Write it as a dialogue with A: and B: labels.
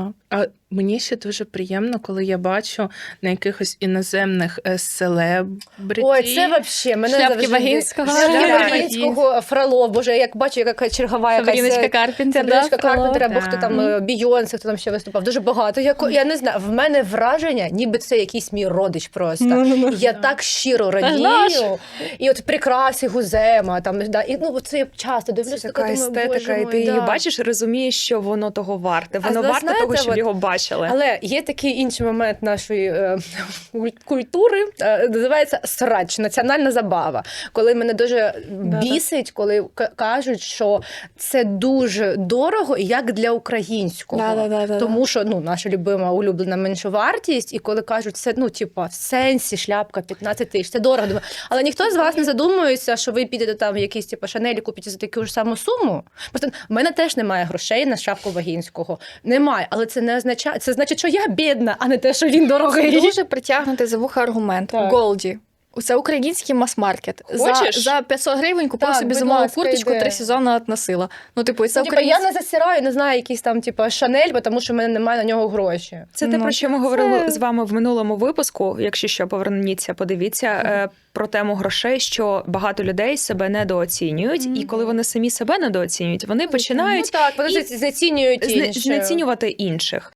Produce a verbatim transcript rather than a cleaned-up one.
A: Да. А мені ще дуже приємно, коли я бачу на якихось іноземних е, селебриті.
B: Ой, це вообще мене
C: Шляпки
B: завжди...
C: Вагінського.
B: Шляпки
A: Да.
B: Вагінського, Фролов, боже, як бачу, яка чергова якась...
C: Сабріночка Карпентер, да,
B: Сабріночка
C: Фролов.
B: Карпентер, або
A: Да.
B: хто там, е, Бійонсе, хто там ще виступав. Дуже багато. Я, я не знаю, в мене враження, ніби це якийсь мій родич просто.
C: Ну-ну-ну.
B: Я так щиро
C: Та ж наш.
B: радію. І от прикраси Гузема, там, да, і, ну, це я часто дивлюся,
D: Така
B: думаю,
D: естетика,
B: боже
D: і
B: мой,
D: ти її
B: да.
D: бачиш, розумієш, що воно того варте. Воно
B: зна-
D: варте
B: знаєте,
D: того, щоб
B: от-
D: його бачили.
B: Але є такий інший момент нашої е, куль- культури, е, називається срач, національна забава. Коли мене дуже бісить, коли к- кажуть, що це дуже дорого, як для українського.
C: Да-да-да-да-да.
B: Тому що ну, наша любима улюблена меншовартість, і коли кажуть, це ну, типа, в сенсі шляпка п'ятнадцять тисяч, це дорого. Думаю, але ніхто з вас не задумується, що ви підете там в якийсь типу, Шанель і купите за таку ж саму суму. Просто в мене теж немає грошей на шапку Вагінського. Немає, але це не означає, це значить, що я бідна, а не те, що він дорогий.
C: Дуже притягнути за вуха аргумент.
B: Так.
C: Голді. Це український мас-маркет. За,
D: Хочеш?
C: за п'ятсот гривень купив
B: Так,
C: собі
B: будь
C: зимову
B: ласка,
C: курточку,
B: йди.
C: три сезони относила. Ну, типу, і це
B: Ну, типа, я
C: український.
B: не засираю, не знаю, якийсь там, типу, Шанель, тому що в мене немає на нього гроші.
D: Це те,
C: Ну,
D: про що ми говорили
B: це-
D: з вами в минулому випуску. Якщо що, поверніться, подивіться е, про тему грошей, що багато людей себе недооцінюють, і коли вони самі себе недооцінюють, вони починають
B: Ну так, вони
D: і-
B: зацінюють
D: зне-
B: інші.
D: знецінювати інших.